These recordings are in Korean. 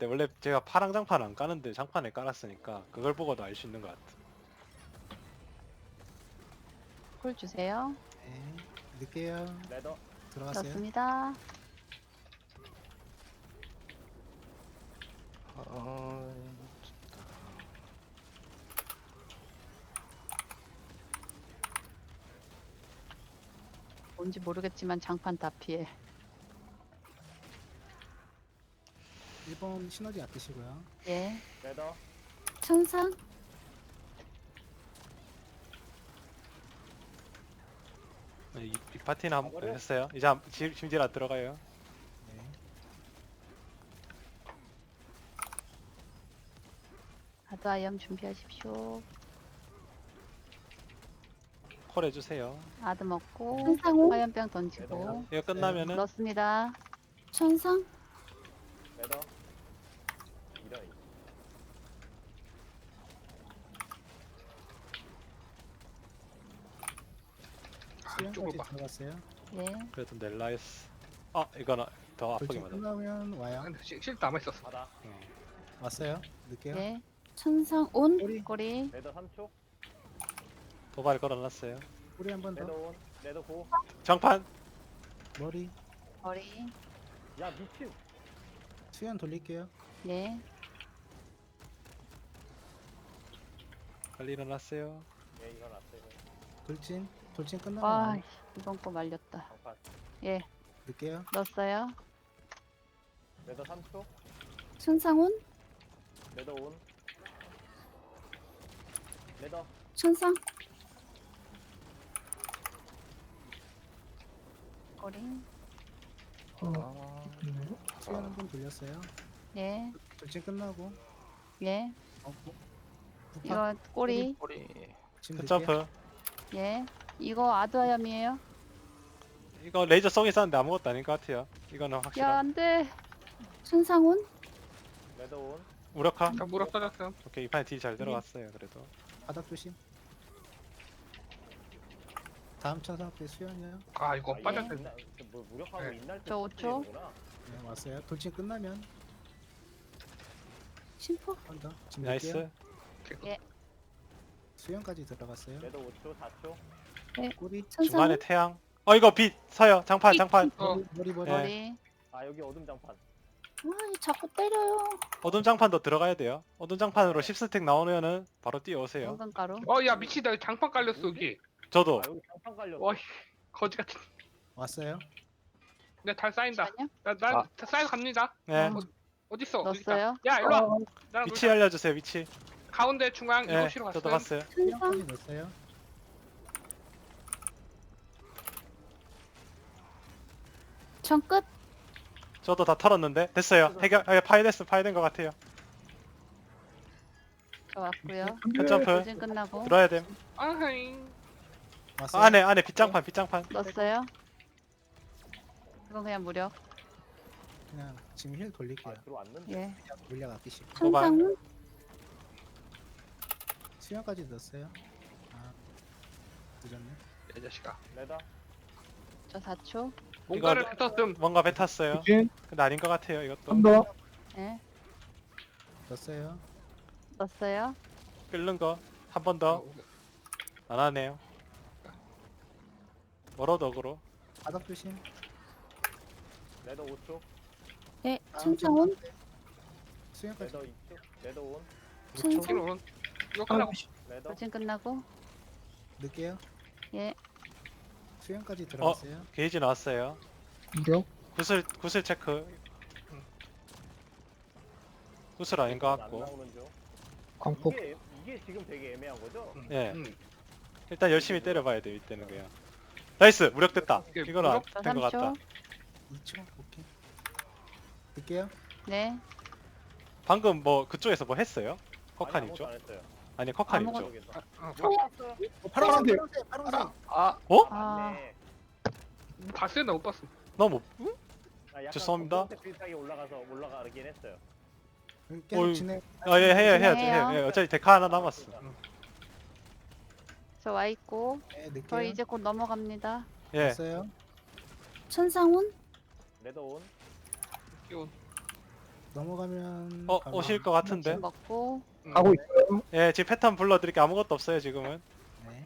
때 원래 제가 파랑 장판 안 까는데 장판에 깔았으니까 그걸 보고도 알 수 있는 것 같아. 콜 주세요. 네. 넣을게요. 레더 들어가세요. 넣습니다. 뭔지 모르겠지만 장판 다 피해. 1번 시너지 아끼시고요. 예. 레더 천상 이 파티는 한 가버려? 했어요. 이제 심지어 안 들어가요. 네. 아드아염 준비하십시오. 콜 해주세요. 아드 먹고 천상호 화염병 던지고 이거 끝나면은 넣습니다. 천상 레더 이런 수영까지 들어갔어요. 예. 그래도 넬라이스. 이거는 더 아프게 돌진 맞아. 끝나면 와요. 근데 실 남아있었어. 바다 왔어요. 넣을게요. 예. 천상 온 꼬리. 꼬리. 레더 3초 도발 걸어놨어요. 꼬리 한 번 레더 더. 온 레더 고 장판. 머리. 머리. 야 미친 수연 돌릴게요. 예. 빨리 일어났어요. 예 이거 났어요 돌진. 돌진 끝나면 와 와요. 이번 거 말렸다. 장판 예. 넣을게요. 넣었어요. 레더 3초 천상 온 레더 온 레더 천상 꼬리. 수연 한 번 돌렸어요. 예. 돌진 끝나고. 예. 부파. 이거 꼬리. 지금 넣을게요. 점프. 예. 이거 아드아염이에요. 이거 레이저 쏘기 있었는데 아무것도 아닌 것 같아요. 이거는 야 확실한. 안돼. 천상 온 레더 온 무력화. 자, 무릎 빠졌어. 오케이, 이 판에 딜 잘 들어갔어요. 그래도. 바닥 조심. 다음 차사 때 수연이요. 아, 이거 예. 빠졌어. 뭐 무력하고 네. 인날 때 저 5초. 쓰는구나. 네, 왔어요. 돌진 끝나면 심포 한 번 더. 지금 넣을게요. 나이스. 수연까지 들어갔어요. 레더 5초 4초 꼬리. 천상 중간에 온 태양. 이거 빛 서요. 장판. 어. 머리. 네. 머리. 아 여기 어둠 장판 와 자꾸 때려요. 어둠 장판도 들어가야 돼요. 어둠 장판으로 10스택 나오면은 바로 뛰어오세요. 당근가루. 야, 미치다. 장판 깔렸어, 여기. 저도. 아 여기 장판 깔렸어 와, 거지 같은. 왔어요. 내 달 쌓인다. 잠시만요. 나 쌓여 갑니다. 네. 어딨어? 넣었어요. 야, 일로 와. 나랑 위치 놀자. 알려주세요. 위치. 가운데 중앙 네. 7시로 저도 갔어요. 갔어요. 천상 수연까지 넣었어요. 정끝 저도 다 털었는데 됐어요. 해결. 파괴된 것 같아요. 저 왔고요. 점프. 돌진 끝나고 들어야 됨. 아하잉. 왔어요. 안에 빗장판. 넣었어요. 이건 그냥 무력. 그냥 지금 힐 돌릴게요. 아 들어왔는데 예. 물량 아끼시고. 천상 온 수연까지 넣었어요. 아, 늦었네. 이 자식아. 레더 저 4초. 뭔가를 이거- 뱉었음. 뭔가 뱉었어요. 근데 아닌 것 같아요. 이것도. 예. 넣었어요. 넣었어요. 끓는 거. 한 번 더. 안 하네요. 멀어덕으로. 바닥 조심. 레더 5초 네 다음 천상 온 수연까지. 레더 2초 레더 온 천상 뒤로 온. 이거 끝나고. 레더 돌진 끝나고 넣을게요. 예. 수연까지 들어갔어요. 게이지 나왔어요. 구슬 체크. 구슬 아닌 것 안 같고. 나오는 중 광폭 이게 지금 되게 애매한 거죠? 예. 음. 일단 열심히 때려봐야 돼요. 이때는 그냥. 나이스. 무력됐다. 이게 이거는 저 된 것 같다. 3초. 2초. 오케이. 넣을게요. 네. 방금 뭐 그쪽에서 뭐 했어요? 커칸 아무것도 있죠? 안 했어요 아니 커칸 있죠? 아무것도- 저기서. 파란색. 파란색. 어? 아. 맞네 봤어요? 나 못 봤어. 너무 아, 약간 죄송합니다. 검정색 비슷하게 올라가긴 했어요 계속 어이. 진행. 예, 해야죠. 해요. 예, 어차피 데카 하나 남았어. 저 와 있고 네, 저 넣을게요. 이제 곧 넘어갑니다. 예. 넣었어요. 천상 온 레더 온 이거 넘어가면 바로 오실 것 같은데. 침 먹고. 가고 있어요. 예, 지금 패턴 불러드릴 게 아무것도 없어요 지금은. 네.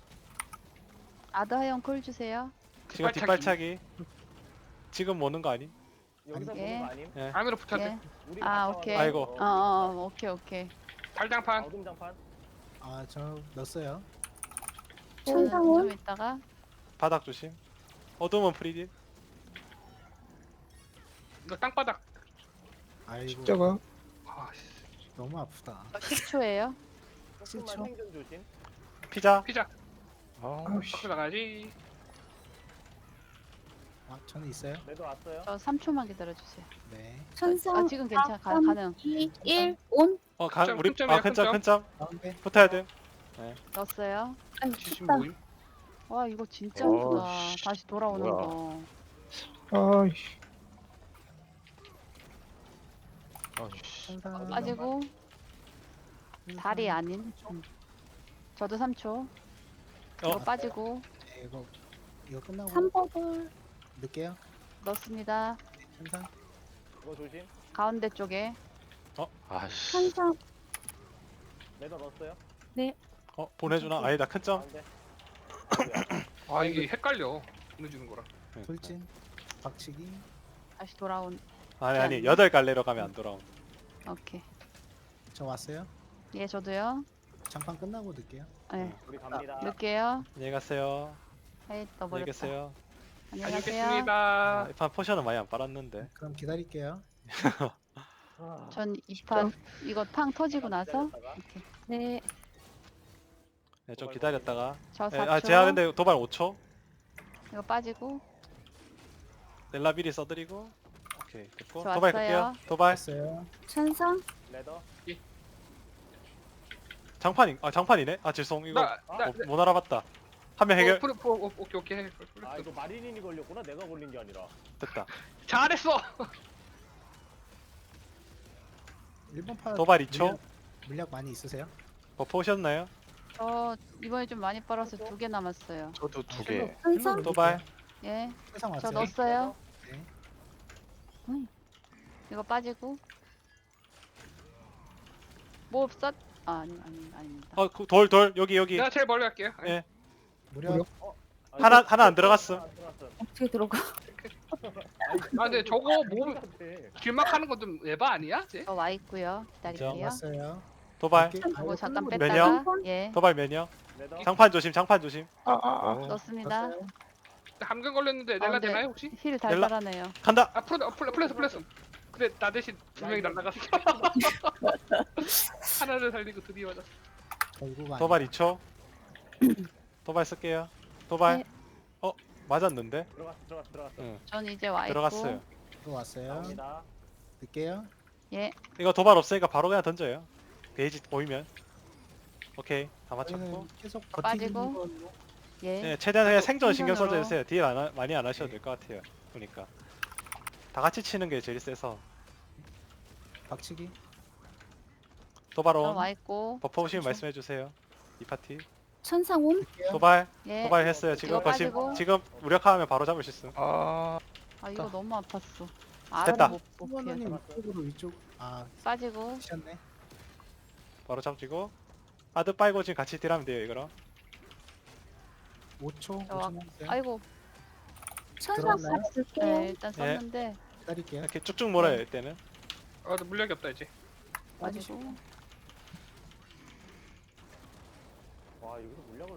아드 하영 콜 주세요. 지금 뒷발차기. 뒷발차기. 지금 오는 거 아님? 여기서 아니, 보는 예. 거 아님? 예. 안으로 붙어야 예. 돼. 우리 아, 갔다 오케이. 와서 아이고. 오케이, 오케이. 달장판. 어둠 장판. 아, 저 넣었어요. 천상훈. 좀 있다가. 바닥 조심. 어둠은 프리딜. 이거 땅바닥. 아이고, 십자가. 아, 씨. 너무 아프다. 10초예요. 조금만 실초. 생존 조심. 피자. 피자. 아우씨. 밖으로 나가야지. 아, 저는 있어요. 매도 왔어요. 저 3초만 기다려주세요. 네. 천상. 아, 지금 괜찮아. 가능. 2, 1, 온. 우리 큰점이야, 큰점 큰점. 큰점 가운데. 붙어야 돼. 넣었어요. 아유, 지금 춥다. 모임. 와, 이거 진짜 어, 아프다. 씨. 다시 돌아오는 뭐야. 거. 아이씨. 천상. 빠지고. 다리 아닌. 저도 3초. 이거 어. 빠지고. 네, 이거 끝나고 3버블. 넣을게요. 넣습니다. 천상. 이거 조심. 가운데 쪽에. 아씨. 천상. 매도 넣었어요. 보내주나? 아니다 큰점. 가운데. 아이고야. 아, 이게 헷갈려. 보내주는 거랑. 돌진. 박치기. 다시 돌아온. 아니 8갈래로 가면 안 돌아온. 오케이. 저 왔어요. 예, 저도요. 장판 끝나고 넣을게요. 네. 우리 갑니다. 넣을게요. 안녕히 가세요. 헤이, 안녕히 떠버렸다. 계세요. 안녕히 가세요. 다녀오겠습니다. 이판 포션은 많이 안 빨았는데. 그럼 기다릴게요. 아, 전 2판 이거 팡 터지고 나서 기다렸다가. 이렇게. 네. 네, 좀 기다렸다가. 저 네, 4초. 제가 근데 도발 5초. 이거 빠지고. 넬라 미리 써드리고. 오케이 됐고. 저 도발 왔어요. 갈게요. 도발. 왔어요. 천상. 매도. 장판이네. 아 죄송 이거 나, 못 알아봤다. 한 명 해결. 오케이. 아 이거 마린인이 걸렸구나. 내가 걸린 게 아니라. 됐다. 잘했어. 1번 파 도발 2초. 물약 많이 있으세요? 버프 오셨나요? 저 이번에 좀 많이 빨아서 2개 남았어요. 저도 2개. 천상. 도발. 예. 세상 저 왔어요. 넣었어요. 네. 이거 빠지고. 뭐 썼? 아닙니다. 돌 여기. 내가 제일 멀리 갈게요. 예. 무력. 하나 안 들어갔어. 안 들어갔어. 어떻게 들어가? 아, 근데 저거 몸 길막하는 건 좀 에바 아니야? 쟤? 저 와 있고요. 기다릴게요. 왔어요. 도발. 이렇게- 이거 아, 잠깐 끝나고 뺐다가 매력? 예. 도발 매녀. 매도. 장판 조심. 넣습니다. 넣었어요. 감금 걸렸는데 넬라 가운데. 되나요 혹시? 힐 달달하네요. 간다. 아, 플러스. 근데 나 대신 두 명이 날라갔어. 하나를 살리고 드디어 맞았어. 결국 도발 2초. 도발 쓸게요. 도발. 네. 맞았는데? 들어갔어. 응. 전 이제 와 있고. 들어갔어요. 또 왔어요. 갑니다. 넣을게요. 예. 이거 도발 없으니까 바로 그냥 던져요. 게이지 보이면. 오케이. 다 맞췄고. 저희는 계속 빠지고. 버티는 걸로. 예. 네, 최대한 그냥 생존 신경 생존으로. 써주세요. 딜 많이 안 하셔도 될 것 같아요. 보니까. 다 같이 치는 게 제일 세서. 박치기. 도발 전 온. 와 있고. 버퍼 오시면 말씀해 주세요. 이 파티. 천상 온. 넣을게요. 도발. 예. 도발 했어요. 지금 이거 빠지고. 지금 무력화하면 바로 잡을 수 있음. 아, 아 이거 너무 아팠어. 됐다. 알아도 못 피해. 후원원님 위쪽으로 위쪽. 아, 빠지고. 치셨네. 바로 잡지고. 아드 빨고 지금 같이 딜하면 돼요. 이거랑. 5초. 저 와- 5초 남았어요. 아이고. 천상 들어왔나요? 쓸게요. 네, 일단 썼는데 기다릴게요. 이렇게 쭉쭉 몰아요. 이때는. 아, 나 물약이 없다 이제. 빠지고. 와 여기서 물약을.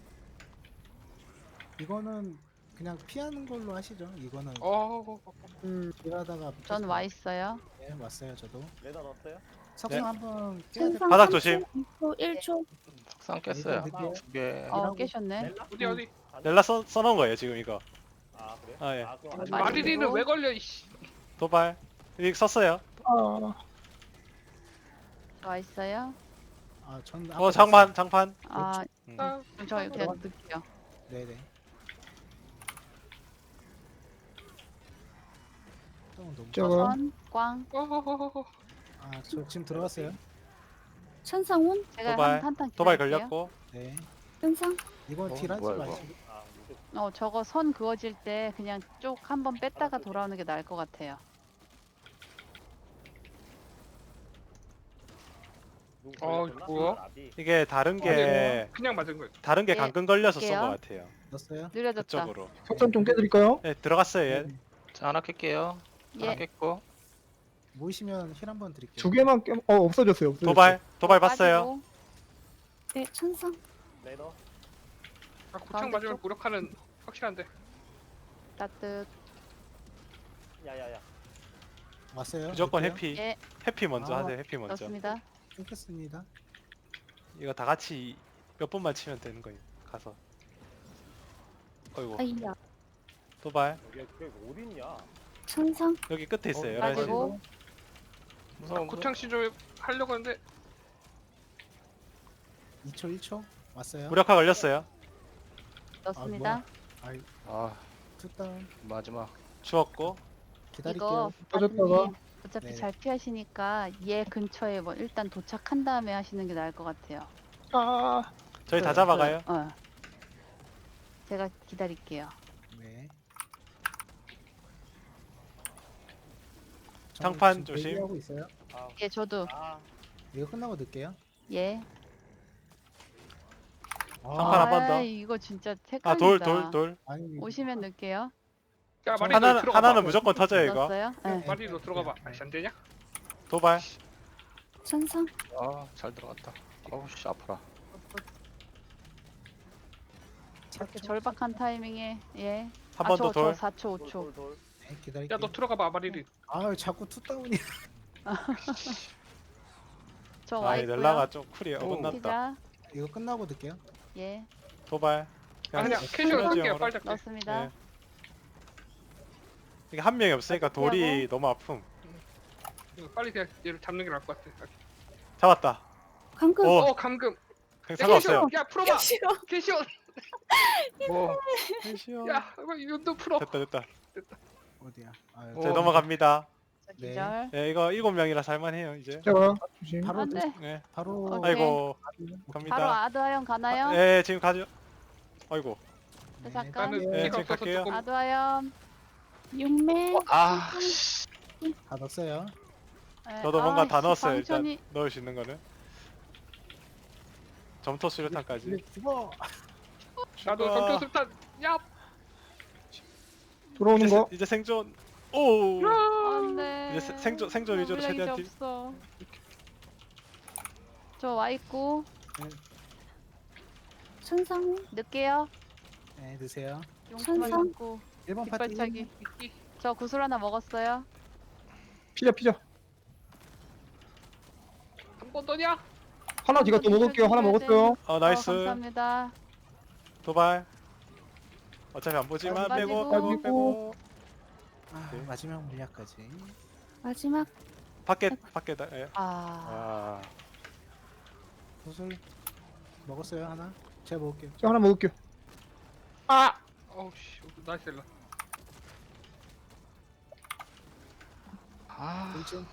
이거는 그냥 피하는 걸로 하시죠. 이거는 일하다가 전 와 있어요. 네, 왔어요. 저도. 매도 넣었어요. 석상 네. 한번 깨야 될 천상. 바닥 3초, 조심. 2초, 1초. 석상 깼어요. 늦게요. 2개. 어 깨셨네. 넬라? 어디? 넬라 써놓은 거예요. 지금 이거. 아 그래? 아, 예. 그럼 맞아. 마리리는 왜 걸려 이씨. 도발. 이거 썼어요. 아, 와 있어요. 아, 전 장판. 아, 음. 아, 저 이렇게 넣을게요. 네네. 조금 너무. 저거. 선, 꽝. 아, 저 지금 들어왔어요. 천상 온. 제가 도발. 한탄 도발 기다릴게요. 걸렸고. 네. 천상. 이거 딜하지 뭐야, 이거. 마시고. 아 무슨 저거 선 그어질 때 그냥 쭉 한번 뺐다가 돌아오는 게 나을 것 같아요. 누구 어, 걸렸었나? 뭐야? 나비. 이게 다른 게 그냥 맞은 거예요. 다른 게 예, 감금 걸려서 쓴 할게요. 것 같아요. 넣었어요? 느려졌다. 그쪽으로. 석탄 좀 깨드릴까요? 네, 들어갔어요 얘. 자, 하나 깰게요. 하나 예. 깼고. 모이시면 힐 한번 드릴게요. 두 개만 깨, 없어졌어요. 없어졌어요. 도발 봤어요. 빠지고, 네, 천상. 레더. 아, 고창 가운데 맞으면 쪽. 무력화는 확실한데. 따뜻. 야야야. 왔어요? 무조건 넣을게요? 해피. 예, 해피 먼저 아. 하세요. 해피 먼저. 넣습니다. 끊겠습니다. 이거 다 같이 몇 번만 치면 되는 거예요. 가서. 어이구. 아이야. 도발. 여기 어디 있냐? 천상. 여기 끝에 있어요. 11시. 빠지고, 무서워. 고창 시절 하려고 하는데 2초 1초 왔어요. 무력화 걸렸어요. 넣습니다. 아이 아, 투다운 마지막. 주웠고. 기다릴게요. 이거 빠졌다가. 빠지님 어차피 네네. 잘 피하시니까 얘 근처에 뭐 일단 도착한 다음에 하시는 게 나을 것 같아요. 아, 저희 다 잡아가요. 제가 기다릴게요. 네. 장판 지금 조심. 대기하고 있어요. 아, 예, 저도 아, 이거 끝나고 넣을게요. 예. 장판 한번 더. 이거 진짜 아, 헷갈린다. 돌. 아니 오시면 넣을게요. 야 마리 하나는 무조건 터져요 이거. 넣었어요? 네. 마리로 들어가 봐. 아씨 안 되냐? 도발. 천상. 아, 잘 들어갔다. 어우, 씨, 아파라. 이렇게 절박한 타이밍에 예. 한 번 더 돌. 4초, 5초. 돌. 네, 기다릴게요. 야 너 들어가 봐 마리를. 아 자꾸 투다운이. 저 아, 와 이 있고요. 넬라가 좀 쿨이 어긋났다. 피자. 이거 끝나고 넣을게요. 예. 도발. 아 그냥 시너지 캐시로 할게요. 영어로. 빨리 잡게. 넣습니다. 예. 이게 한 명이 없으니까 돌이 너무 아픔. 이거 빨리 그냥 얘를 잡는 게 나을 것 같아. 잡았다. 감금. 오. 감금. 그냥 상관없어요. 야 풀어봐. 싫어. 캐시오. 뭐, 캐시오. 야 이거 풀어. 됐다. 어디야? 아, 어. 자, 넘어갑니다. 저 네. 기절. 예, 이거 7명이라 살만해요 이제. 제가 조심. 바로 안 돼. 예. 바로 오케이. 아이고 바로 갑니다. 아드하영 가나요? 예, 지금 가죠. 아이고. 네, 잠깐. 나는 네, 피가 지금 없어서 갈게요. 조금. 아드하영. 육매. 아, 다 넣었어요. 예. 저도 뭔가 다 아이씨, 넣었어요. 방천이- 일단 넣을 수 있는 거는. 점토 수류탄까지. 죽어. 나도 죽어. 점토 술탄. 야. 들어오는 거. 이제 생존. 오. 안돼. 이제 생존 위주로 최대한 딜. 없어. 저 와 있고 천상. 늦게요. 네, 드세요. 용수만 천상. 잡고 1번 파티. 뒷발차기. 저 구슬 하나 먹었어요. 피자. 한 번 더냐? 하나 제가 또 먹을게요. 하나 먹었어요. 나이스. 감사합니다. 도발. 어차피 안 보지만 안 빼고 빠지고. 빼고. 아, 네. 마지막 물약까지. 마지막. 밖에다. 예. 아, 아. 구슬 먹었어요 하나. 제가 먹을게요. 제가 하나 먹을게요. 아. 어우씨 나이스 렐라. 아, 돌진.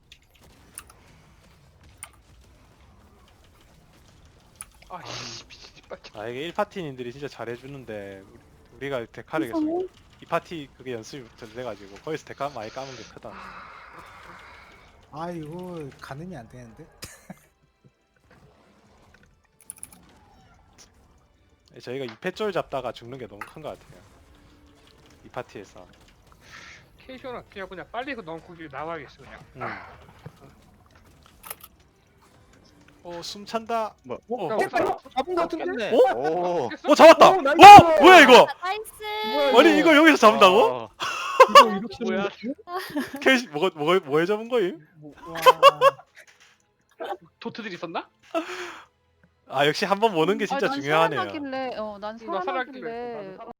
아씨 미친 빨리. 아 이게 1파티님들이 진짜 잘해주는데 우리가 데카를 계속 천상운. 이 파티 그게 연습이 돼가지고 거기서 데카 많이 까는 게 크다. 아 이거 가늠이 안 되는데. 저희가 2패 쫄 잡다가 죽는 게 너무 큰 것 같아요. 이 파티에서. 캐시오는 그냥 빨리 그 넣고 길 나와야겠어 그냥. 숨 찬다. 뭐? 어, 야, 잡은 거 같은데? 오? 오, 잡았다. 오, 오, 나이스. 뭐야 이거? 나이스. 아니 이걸 여기서 잡는다고? 이거 이렇게 뭐야? 캐시 뭐에 잡은 거임? 와. 도트들 있었나? 아 역시 한 번 모는 게 진짜 난 중요하네요. 살아나길래, 난 나 살아나길래. 살아나길래